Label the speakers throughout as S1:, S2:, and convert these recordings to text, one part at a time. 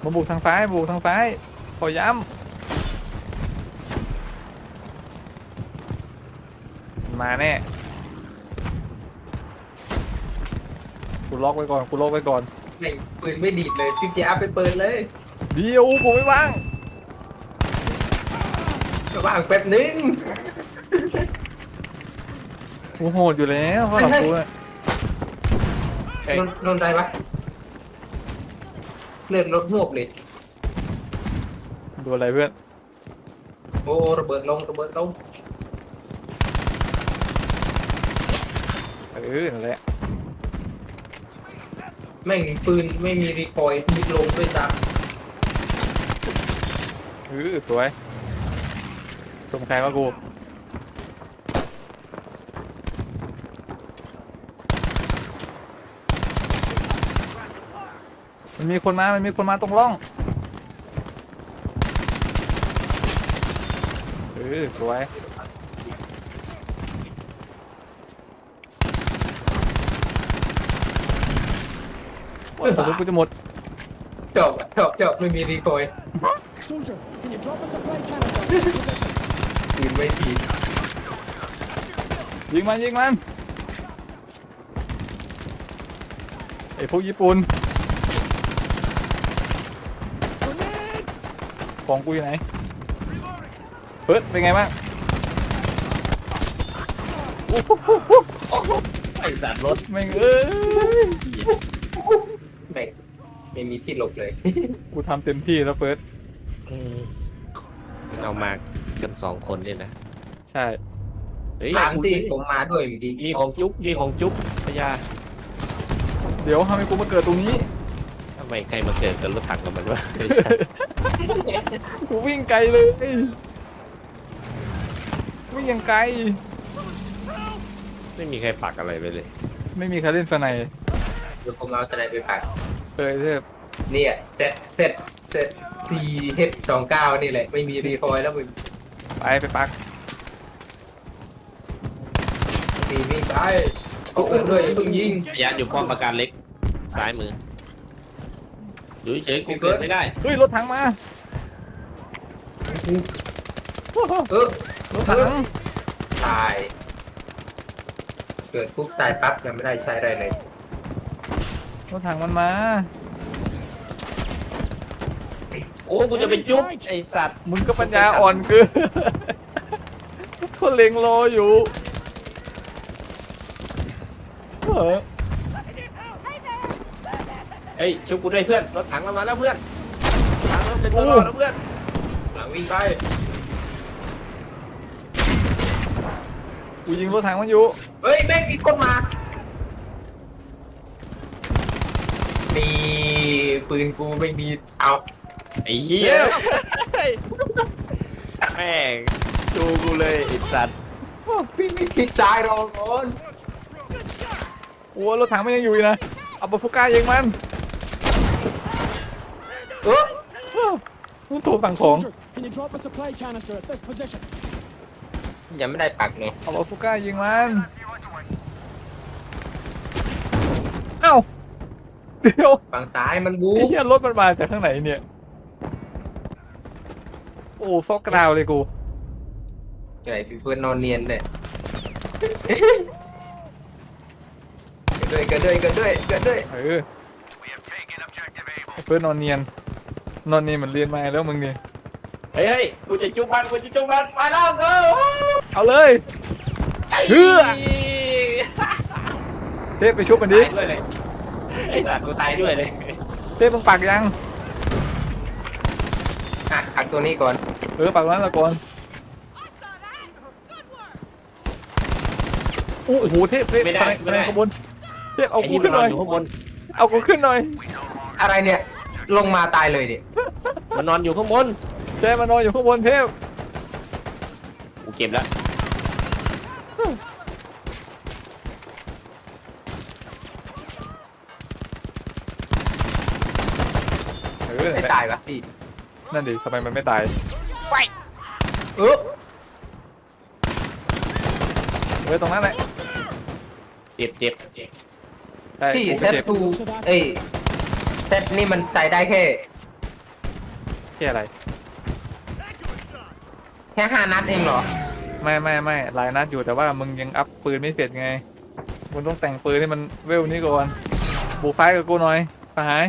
S1: มาบุกทางซ้ายบุกทางซ้ายขอย้ำมาแน่กูล็อกไว้ก่อนกูล็อกไว้ก่อน
S2: ไม่ปืนไม่ดีดเลยพี่พีอาร์ไปเปิดเลย
S1: เดี๋ยวผมไม่ว่าง
S2: ก็ว่างแป๊บนึง
S1: กูโหดอยู่แล้วเพราะเรากู
S2: โดนอะไรวะเลือดลดหวบเลย
S1: ดูอะไรเพื่อน
S2: โอ้ระเบิดลงระเบิดลง
S1: นั่นแหละ
S2: แม่งปืนไม่มีรีคอยล์มีลงด้วยซ้
S1: สวยสมใครว่ากูมันมีคนมาตรงร่องสวยโอ้ยผมกูจะหมด
S2: ำจบไม่มีรีคอยล์
S3: Soldier, can you drop a supply cannon down to position?
S2: ปืนไม่ดี
S1: ยิงมันไอ้พวกญี่ปุ่น
S3: Grenade!
S1: ของกูอยู่ไหนเฮ้ยเป็นไงบ้าง
S4: ไอ้สัตว์รถ
S1: แม่งเอ้ย
S2: ไม่มีที่หลบเลย
S1: กูทำเต็มที่แล้วเฟิร์ส
S4: เอามากัน2 คนเนี่ยนะ
S1: ใช่
S4: เฮ้ย
S2: ถามสิผมมาด้วยเมื่อกี้
S4: มีของจุ๊บพญา
S1: เดี๋ยวทำไมกูมาเกิดตรงนี้
S4: ทำไมใครมาเกิดกับรถถังกับมันวะไม่ใช่
S1: กูวิ่งไกลเลยวิ่งยังไกล
S4: ไม่มีใครปักอะไรไปเลย
S1: ไม่มีใครเล่นสไนด์
S2: เดี๋ยวผมเอาสไนเปอร์ปัก
S1: เทพ
S2: เนี่ยเซต 4H29 นี่แหละไม่มีรีคอยล์แล้วมึง
S1: ไปปัก
S2: มีวิ่งไปเอาเกิดด้วยอย่าเพิ่งยิง
S4: พญาอยู่ป้อมปราการเล็กซ้ายมืออยู่เฉยๆกูเกิดไม่ได้
S1: เฮ้ยรถถังมา รถถัง
S2: ตายเกิดปุ๊บตายปั๊บยังไม่ได้ใช้อะไรเลย
S1: รถถังมันมา
S4: โอ้กูจะไปจุ๊บไอสัตว์
S1: มึงก็ปัญญาอ่อนเกินเขาเล็งรออยู่เออ
S4: เฮ้ยชุบกูด้วยเพื่อนรถถังเรามาแล้วเพื่อนถังเราเป็นตัวรอดแล้วเพื่อน
S2: หลังวิ่งไป
S1: กูยิงรถถังมันอยู่
S2: เฮ้ยแม่งมีคนมานี่ปืนกูไม่มีเอา
S4: ไอ้เหี้ยแม่งดูกูเลยไอ้สัตว์
S2: พี่ไม่คลิกซ้ายรอก่อน
S1: โอ้รถถังมันยังอยู่อีกนะเอาปาฟุก้ายิงมัน มันถูกสั่งของ
S3: Soldier, can you drop a supply canister at this position?
S2: ยังไม่ได้ปักเลย
S1: เอาปาฟุก้ายิงมันเอ้าเดี๋ยว
S2: ฝั่งซ้ายมันบู
S1: ไอ้เหี้ยรถมันมาจากข้างไหนเนี่ยโอ้ซอกกราวเลยกู
S2: ไงพี่เฟิร์นนอนเนียนเลยเกิดด้วย
S1: ไอ้เฟิร์สนอนเนียนเหมือนเรียนมาแล้วมึงนี่
S4: เฮ้ยกูจะจุ๊บมันไปแล้วเออ
S1: เอาเลยเฮือเทพไปชุบมันดิ
S4: ตายด้วยเลยไอ้สัตว์กูตายด้วยเลย
S1: เทพมึงปักยัง
S2: ปักตัวนี้ก่อน
S1: ปักนั้นละก่อนโอ้โหเทพคะแนนขบวนเทพเอากูขึ้นหน่อย
S4: อยู่ข้างบน
S1: เอากูขึ้นหน่อย
S2: อะไรเนี่ยลงมาตายเลยดิ
S4: มันนอนอยู่ข้างบน
S1: เทพมานอนอยู่ข้างบนเทพ
S4: กูเก็บแล้ว
S2: ไม่ตายวะพี่
S1: นั่นดิทำไมมันไม่ตาย
S2: เออ
S1: ตรงนั้นแหละ
S4: เจ็บ
S1: ใช่
S2: พี่
S1: กู
S2: เซ
S1: ก็
S2: ต
S1: เจ็บ
S2: ทูเอ้ยเซตนี่มันใส่ได้แค่
S1: แค่อะไร
S2: แค่5 นัดเองเหรอ
S1: ไม่หลายนัดอยู่แต่ว่ามึงยังอัพปืนไม่เสร็จไงมึงต้องแต่งปืนให้มันเวลนี้ก่อนบุกไฟกับกูหน่อยสหาย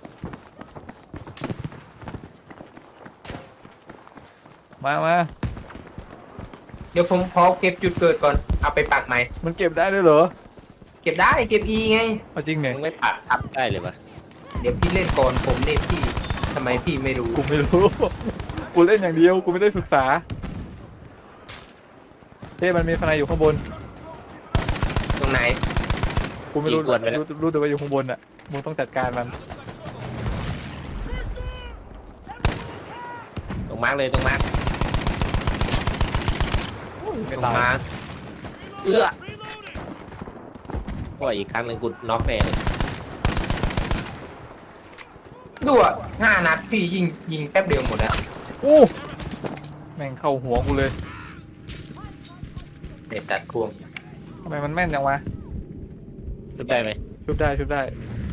S1: มา
S2: เดี๋ยวผมขอเก็บจุดเกิดก่อนเอาไปปักใหม่
S1: มันเก็บได้ด้วยเหรอ
S2: เก็บได้เก็บ E ไง
S1: เอาจริงเนี่ย
S4: มึงไม่ปักทับได้เลยวะ
S2: เดี๋ยวพี่เล่นก่อนผมเนี่ยพี่ทำไมพี่ไม่รู้
S1: กูไม่รู้ กูเล่นอย่างเดียวกูไม่ได้ศึกษาเท่มันมีสไนอยู่ข้างบน
S2: ตรงไหน
S1: กูไม่รู้รู้แต่ว่าอยู่ข้างบนอ่ะมึงต้องจัดการมัน
S4: ตรงมาร์กเลยตรงมาร์ก
S1: ไม่
S2: ตรง
S1: ตาย
S2: มา
S4: ก็อีกครั้งหนึ่งกูน็อกแน่เลย
S2: ดูอ่ะ5 นัดพี่ยิงแป๊บเดียวหมดแล้ว
S1: อู้แม่งเข้าหัวกูเลย
S2: ไอสัตว์ควง
S1: ทำไมมันแม่นจังวะ
S4: ชุบได้ไหม
S1: ชุบได้ชุบได้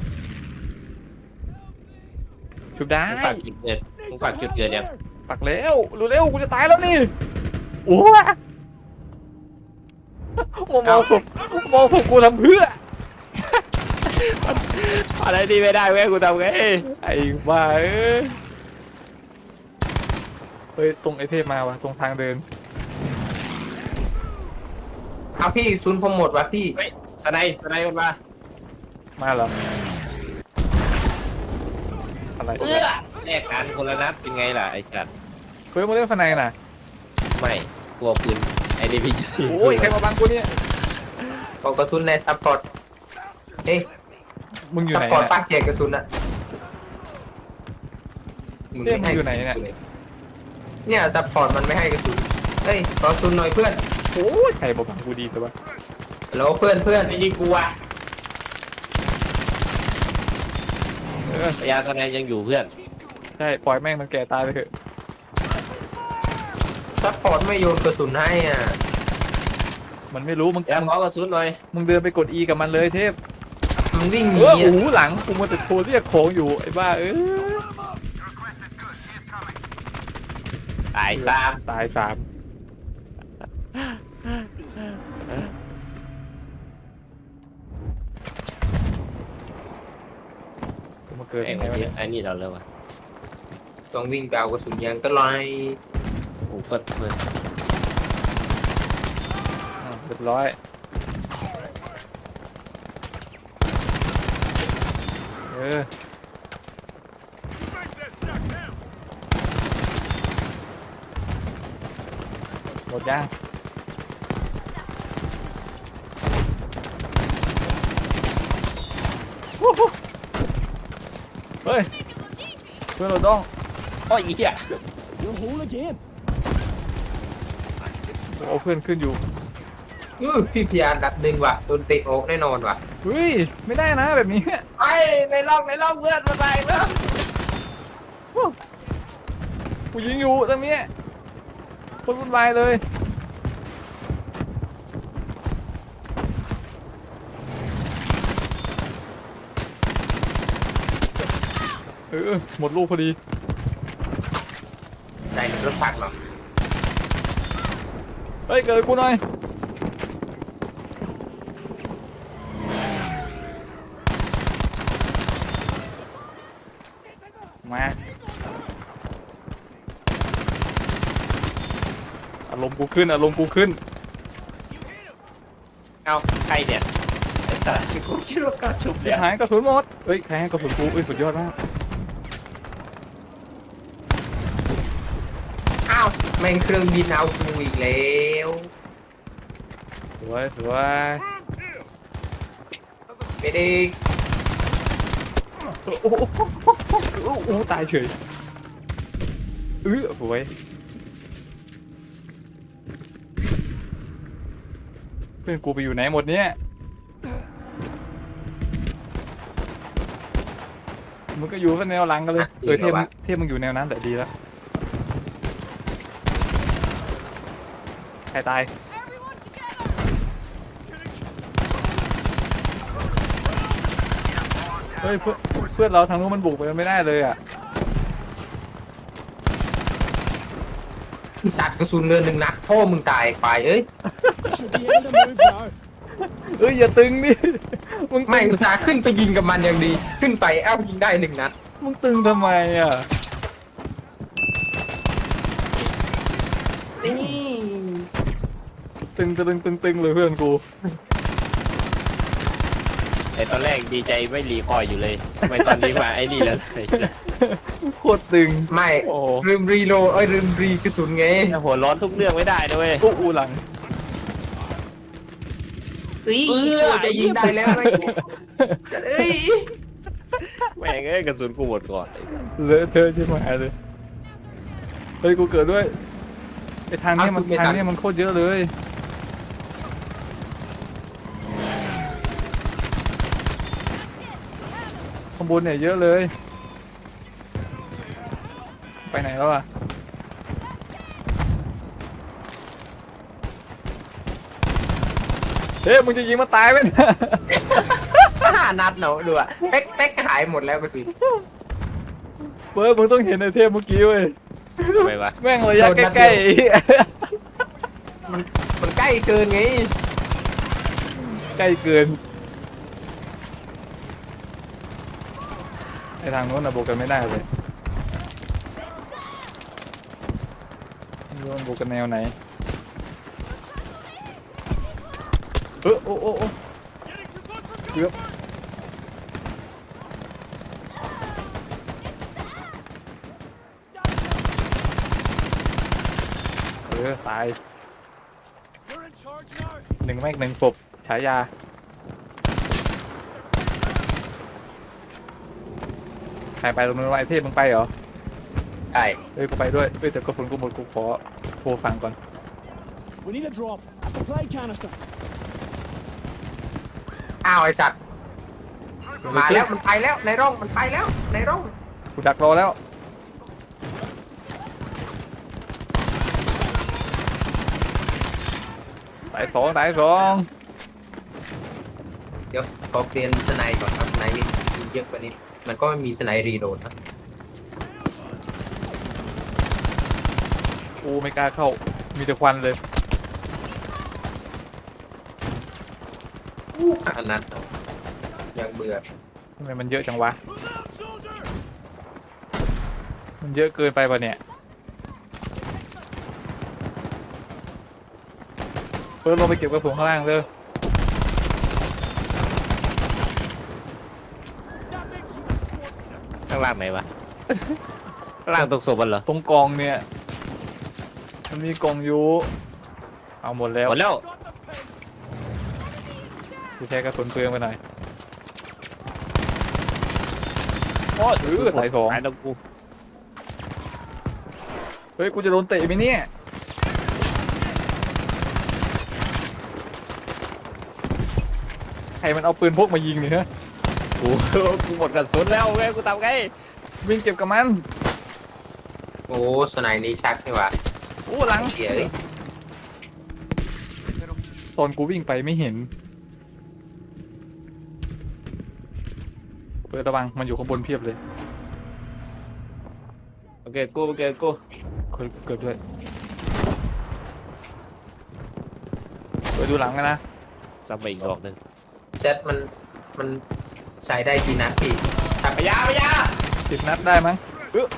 S4: มึงปักจุดเกิดมึงปักจุดเกิดยัง
S1: ปักแล้วรู้เร็วกูจะตายแล้วนี่โอ้มองศพกูทำเพื่อ
S4: อะไรดีไม่ได้เว้ยกูทำไง
S1: ไอ้บ้าเฮ้ยตรงไอเทพมาวะตรงทางเดิน
S2: เอาพี่ซุนผมหมดวะพี่
S4: เฮ้ยสไนมันมา
S1: มาเหรออะไร
S4: แลกกันคนละนัดเป็นไงล่ะไอ้สัตว์
S1: เฮ้ยมึงเล่นฟันในน่ะ
S4: ไม่กลัวปืนไอ้นี่พี่
S1: โอ้ยใครมาบังกูเนี่ย
S2: เอากระสุนในซัพพอร์ตเฮ้ย
S1: มึงอยู่
S2: ซัพ
S1: ไหน
S2: พอร์ต
S1: เนี่ย
S2: ปากแจกกระสุนอะมึงไม่ให้
S1: มึงอยู่ไหนเนี่ย
S2: เนี่ยซัพพอร์ตมันไม่ให้กระสุนเฮ้ยขอกระสุนหน่อยเพื่อน
S1: โอ้ยใครมาบังกูดีแต่ว่า
S2: แล้วเพื่อน
S4: ไอ้ยิงกูอ่ะ
S1: เออ
S4: ยาสไนยังอยู่เพื่อน
S1: ใช่ปล่อยแม่งมันแก่ตายไปเถอะ
S2: ซัพพอร์ตไม่โยนกระสุนให้อ่ะ
S1: มันไม่รู้มึง
S4: ยาขอกระสุนหน่อย
S1: มึงเดินไปกด E กับมันเลยเทพ
S2: มันวิ่งหนี
S1: โอ้
S2: อ่ะ
S1: โหหลังกูมาติดโทรเรียกของอยู่ไอ้บ้า
S4: ตายซาม
S1: ตายสามกูมาเกิด
S4: ไอ้
S1: ยังไงวะเนี่ย
S4: ไอ้นี่เราเลยวะ
S2: ต้องวิ่งไปเอากระสุนยางก็ลอย
S4: กูเปิด
S1: เรียบร้อยเออหมดยังวู้ฮู้เฮ้ยเพื่อนเราต้อง
S4: โอ้ยอีเหี้ย
S3: You'll haul again.
S1: เอาเพื่อนขึ้นอยู่
S2: พี่พยานดับ1ว่ะโดนเตะออกแน่นอนว่ะ
S1: เฮ้ยไม่ได้นะแบบนี้
S4: ไอ้ในร่องเพื่อนมาไปเพื่อน
S1: กูยิงอยู่ตรงนี้คนวุ่นวายเลยหมดลูกพอดี
S2: ได้รถถังเหรอ
S1: เฮ้ยเกิดกูหน่อยมาอารมณ์กูขึ้น
S4: เอาใครเนี่ยไอ้สัตว์กูคิดว่ากระชุบ
S1: เสี
S4: เนี่ย ย
S1: หายกระสุนหมดเฮ้ยใครให้กระสุนกูสุดยอดมาก
S2: อ้าวแม่งเครื่องบินเอากูอีกแล้ว
S1: สวย
S2: ไม่ได้
S1: โอ้โหตายเฉยสวยเพื่อนกูไปอยู่ไหนหมดเนี่ยมึงก็อยู่กันแนวหลังกันเลยเทพมึงอยู่แนวนั้นแต่ดีแล้วใครตายเฮ้ยเพื่อนเราทางนู้นมันบุกไปไม่ได้เลยอ่ะ
S2: อีสัตว์กระสุนเรือนหนึ่งนัดพ่อมึงตายไปเอ้ย
S3: Should be able to move now.
S1: เอ้ยอย่าตึงดิมึง
S2: ไม่อุตส่าห์ขึ้นไปยิงกับมันอย่างดี ขึ้นไปเอ้ายิงได้หนึ่งนัด
S1: มึงตึงทำไมอ่ะ
S2: นี่
S1: ตึงเลยเพื่อนกู
S4: ไอตอนแรกดีใจไม่รีคอยอยู่เลยทำไมตอนนี้มาไอ้นี่แล้วไอ้สัส
S1: โคตรตึง
S2: ไม่
S1: โอ้
S2: ลืมรีโหลดลืมรีกระสุนไง
S4: หัวร้อนทุกเรื่องไม่ได้ด้วย
S1: อู้หลัง
S2: จะยิงได้แล้วไหมเอ้ย
S4: แม่งเอ้ยกระสุนกูหมดก่อน
S1: เลอะเทอะใช่ไหมเลยเฮ้ยกูเกิดด้วยไอ้ทางนี้มันโคตรเยอะเลยข้างบนเนี่ยเยอะเลยไปไหนแล้วอ่ะเฮ้ยมึงจะยิงมาตายไหมเนี่ย
S2: 5 นัดเนาะดูอะเป๊กหายหมดแล้วกระสุน
S1: เบิร์ดมึงต้องเห็นไอเทมเมื่อกี้เว้ย
S4: ทำไมวะ
S1: แม่งระยะใกล้
S2: มันใกล้เกินไง
S1: ๆใกล้เกินไอทางโน้นอะโบกกันไม่ได้เลยโน้นโบกกันแนวไหนโอ้เกือบตาย
S3: You're in charge now.
S1: หนึ่งแม็กหนึ่งศพฉายาใครไปตรงนู้นวะไอเทพมึงไปเหรอ
S2: ใช่
S1: เอ้ยกูไปด้วยเอ้ยแต่กระสุนกูหมดกูขอโทรฟังก่อน
S3: We need a drop. A supply canister.
S2: อ้าวไอสัตว์มาแล้วมันไปแล้วในร่องมันไปแล้วในร่อง
S1: กูดักรอแล้วตายสอง
S2: เดี๋ยวขอเปลี่ยนสไนด์ก่อนครับสไนด์นี่เยอะกว่านี้มันก็ไม่มีสไนด์รีโหลดนะ
S1: กูไม่กล้าเข้ามีแต่ควันเลย
S2: อันนั้นยังเบื่อ
S1: ทำไมมันเยอะจังวะมันเยอะเกินไปป่ะเนี่ยเพิ่มลงไปเก็บกระสุนข้างล่างเลย
S4: ข้างล่างไหนวะ ข้างล่างตกศพมันเหรอ
S1: ตรงกองเนี่ยมันมีกองอยู่เอาหมดแล้ว
S4: หมดแล้ว
S1: กูใช้กระสุนเปลืองไปหน่อย
S4: โอ้ย
S1: ตายสอง
S4: ตายแล้วกู
S1: เฮ้ยกูจะโดนเตะไหมเนี่ยใครมันเอาปืนพกมายิงเนี่ยฮะ
S4: กูหมดกระสุนแล้วแม่กูทำไง
S1: วิ่งเก็บกับมัน
S2: โอ้สไนด์นี้ชักนี่หว่า
S1: โอ้หลัง
S2: เสียเลย
S1: ตอนกูวิ่งไปไม่เห็นเปิดระวังมันอยู่ข้างบนเพียบเลย
S4: โอเคกู
S1: เคยเกิดด้วยเปิดดูหลังกันนะ
S4: ซ้ำไปอีกดอกหนึ่ง
S2: เซตมันใส่ได้กี่นัดพี่ทำไปยา
S1: 10 นัดได้มั้งโอ้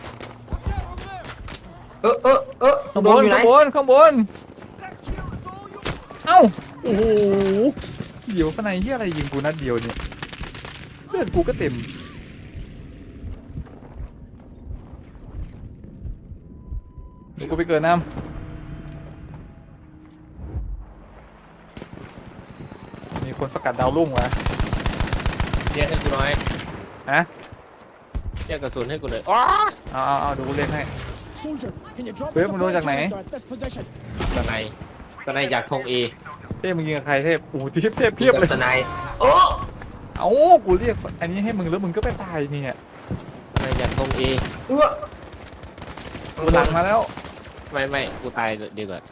S2: ข้าง
S1: ข้าง
S2: บบ น
S1: น
S2: อยู่ไหน
S1: ข้างบนเอ้าโอ้โหเดี๋ยวข้างในเฮียอะไรยิงกูนัดเดียวเนี่ยเลือดกูก็เต็มเดี๋ยวกูไปเกิดน้ำมีคนสกัดดาวรุ่งวะ
S4: เรียกให้กูหน่อย
S1: ฮะ
S4: เรียกกระสุนให้กูเลยอ๋อ
S1: เอาเดี๋ยวกูเรียกให้
S3: Soldier, can you drop
S1: Wait,
S3: a
S1: mình
S3: supply
S1: nói rằng này.
S3: canister at this position?
S4: สไนจากธงเอ
S1: เทพมึงยิงกับใครเทพโอ้โหเทพเพียบเลย
S2: สไนด์โอ้
S1: เอ้ากูเรียกอันนี้ให้มึงแล้วมึงก็ไปตายเนี่ย
S4: สไนจากธงเอ
S1: กูหลังมาแล้ว
S4: ไม่กูตายดีกว่า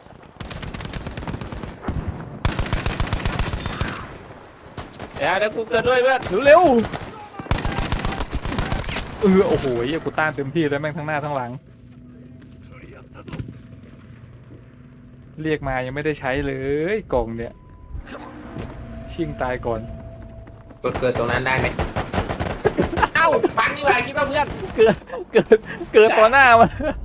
S4: เดี๋ยวกูเกิดด้วยเพื่อน
S1: เร็วโอ้โหเหี้ยกูต้านเต็มที่แล้วแม่งทั้งหน้าทั้งหลังเรียกมายังไม่ได้ใช้เลยกล่องเนี่ยชิงตายก่อน
S2: กดเกิดตรงนั้นได้ไหม
S4: เอ้าฟังนี่ว่าคิดว่าเพื่อน
S1: เกิดต่อหน้ามัน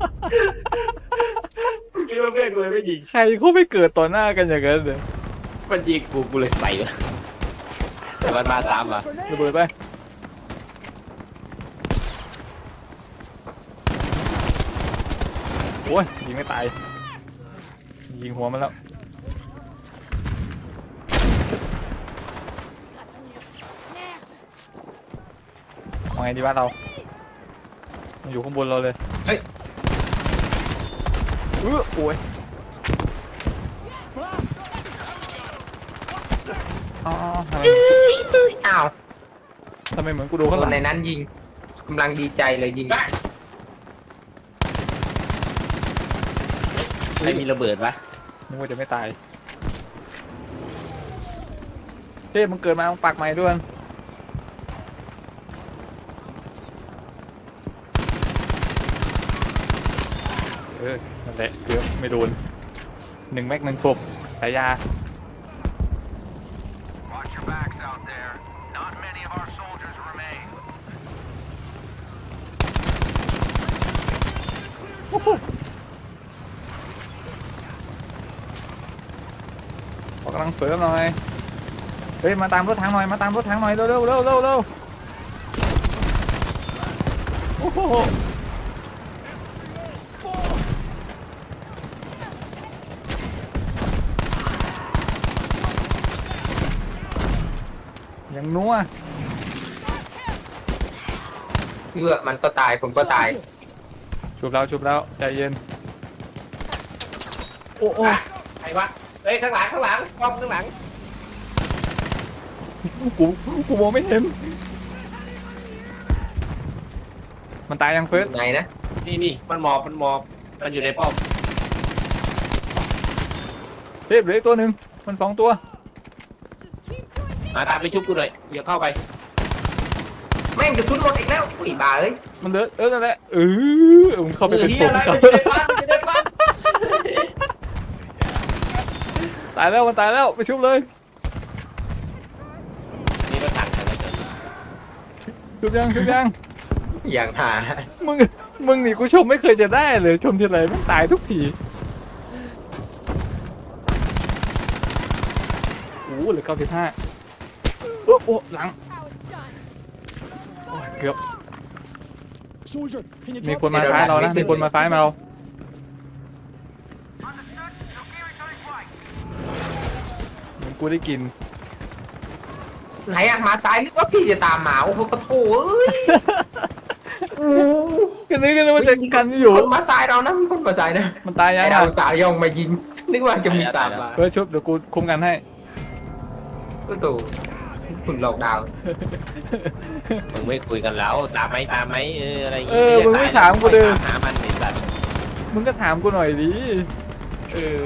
S4: คิดว่าเพื่อนกูเลยไม่ยิง
S1: ใครเขาไม่เกิดต่อหน้ากันอย่างนั้นเลย
S4: มันยิงกูเลยใส่เลยแต่มันมาซ้ำว่ะ
S1: ระเบิดไปโอ้ยยิงไม่ตายยิงหัวมันแล้วเอาไงดีวะเรามันอยู่ข้างบนเราเลย
S2: เฮ้ย
S1: โอ้ย
S3: Blast!
S1: อ๋อทำไม
S2: อ้าว
S1: ทำไมเหมือนกูโดน
S2: ค
S1: ข้างหลั
S2: น
S1: ง
S2: ในนั้นยิงกำลังดีใจเลยยิง
S4: ใครมีระเบิดวะ
S1: นึกว่าจะไม่ตายเฮ้ยมึงเกิดมามึงปากใหม่ด้วยนั่นแหละเกือบไม่โดน1 แม็ก 1 ศพฉายา
S5: Watch your backs out there. Not many of our soldiers remain.
S1: ขอกำลังเสริมหน่อยเฮ้ยมาตามรถถังหน่อยมาตามรถถังหน่อยเร็วโอ้โหยังนัว
S2: เมื่อมันก็ตายผมก็ตาย
S1: ชุบแล้วใจเย็นโอ้
S4: ใครวะเฮ้ยข้างหลังป้อมข้างหลัง
S1: กูมองไม่เห็นมันตายยังเฟิร์ส
S2: ไหนนะ
S4: นี่มันหมอบมันอยู่ในป้อม
S1: เทพเหลืออีกตัวหนึ่งมัน2 ตัว
S4: มาตามไปชุบกูหน่อยอย่าเข้าไป
S2: แม่งกระสุนหมดอีกแล้วอุ้ยบ้าเอ้ย
S1: มันเหลือนั่นแหละมึงเข้าไปเป็น
S4: เฮี
S1: ผ
S4: ย
S1: ม
S4: อะไรมันอยู่ในบ้านมันอยู่ในบ้าน
S1: ตายแล้วมันตายแล้วไปชุบเลย
S4: นี่มันถังอะไรเกิด
S1: ชุบยัง
S2: อย่างหา
S1: มึงนี่กูชมไม่เคยจะได้เลยชมทีไรมันตายทุกทีเหลือ95โอ้หลังโอ้ยเกือบ
S3: Soldier, can you
S1: มี
S3: drop
S1: คนมาซ้ายเรานะมีคนมาซ้ายเรา เหมือนกูได้กิน
S2: ไหนอะมาซ้ายนึกว่าพี่จะตามหมาโอ้โหปะโถเอ้ยอู้
S1: กันนึกว่าจะกันอยู่
S2: คนมาซ้ายเรานะคนมาซ้ายนะ
S1: มันตายยัง
S2: ไอ้
S1: อ่ะ
S2: เราสายย่องมายิงนึกว่าจะมีตามมา
S1: เพื่อชุบเดี๋ยวกูคุมกันให้
S2: โอ้โหคุณหลอกดาวน์
S4: มึงไม่คุยกันแล้วตามไหมอะไรอย่าง
S1: เออมึงไม่ถามกูเลย
S4: หามันไอ้สัตว์
S1: มึงก็ถามกูหน่อยดิเออ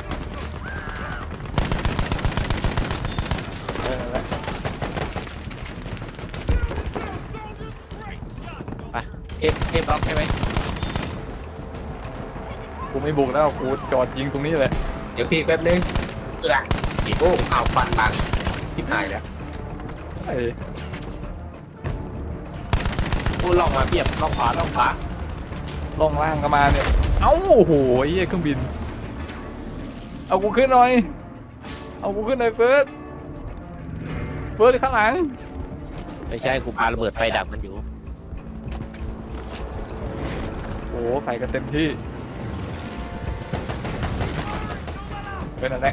S1: นั่นแหละ
S4: เทปล็อกใช่ไหม
S1: กูไม่บุกแล้วกูจอดยิงตรงนี้เลย
S2: เดี๋ยวพี่แป๊บนึงโอ้ข่าวฟันบังทิพหายแล้ว
S1: ไอ้
S4: กูลองมาเทียบลองขวา
S1: ล่องล่างก็มาเนี่ยเอ้าโอ้โหไอ้เหี้ยเครื่องบินเอากูขึ้นหน่อยเฟิร์สข้างหลัง
S4: ไม่ใช่กูปาระเบิดไฟดับมันอยู่
S1: โอ้ใส่กันเต็มที่เป็นอะไร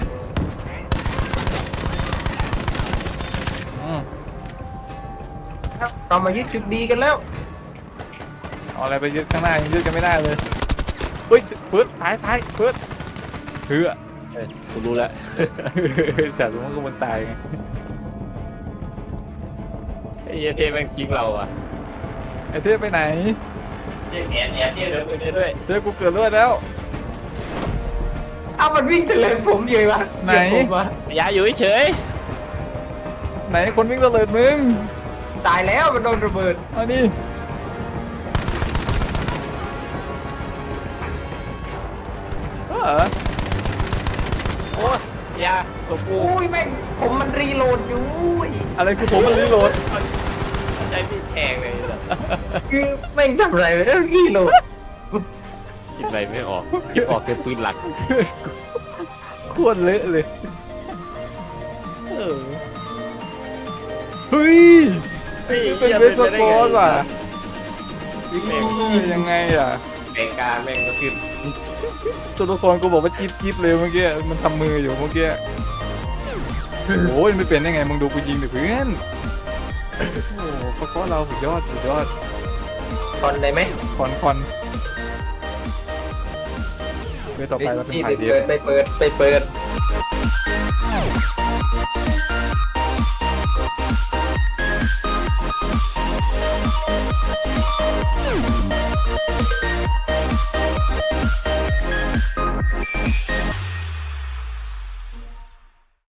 S2: ครับเรามายึดจุดดีกันแล้ว
S1: เอาอะไรไปยึดข้างหน้ายังยึดกันไม่ได้เลยเฮ้ยเฟิร์สซ้ายเฟิร์สเฮ้ย
S4: กูรู้แล้ว
S1: แต่รู้ว่ามันตายไง
S4: ไอ้เหี้ยเทแม่งทิ้งเราอ่ะ
S1: ไอ้เทพไปไหน
S4: เหี้ยแอนเหี้ยเดินไปด้วย
S1: เทพกูเกิดเลือดแล้ว
S2: เอามันวิ่งแต่เลยผมเยอะวะ
S1: ไหน
S2: เสียผมวะ
S4: อย่าอยู่เฉย
S1: ไหนคนวิ่งตะเลิดมึง
S2: ตายแล้วมันโดนระเบิด
S1: เอาดิเออ
S4: ยาตัวกู
S2: อุ้ยแม่งผมมันรีโหลดอยู่อุ้ย
S1: อะไรคือผมมันรีโหลด
S4: ใจพี่แทงเลยเหรอ
S2: คือแม่งทำอะไรไม่ได้รีโหลด
S4: คิดอะไรไม่ออกคิดออกแต่ปืนหลัก
S1: โคตรเละเลย
S4: เออ
S1: เฮ้ยเป็นเวสโกสว่ะยังไงอ่ะ
S4: แม่งกาแม่งก็ขึ้น
S1: ตัวละครกูบอกว่าจิ๊บจิ๊บเลยเมื่อกี้มันทำมืออยู่เมื่อกี้โอ้ยไม่เป็นได้ไงมึงดูกูยิงดิเพื่อนโอ้โหเพราะเราสุดยอดสุดยอด
S2: ตอนได้ไหม
S1: คอนเวทต่อไปเราเป็น
S2: นี่
S1: ถ่ายเดียว
S2: ไปเปิด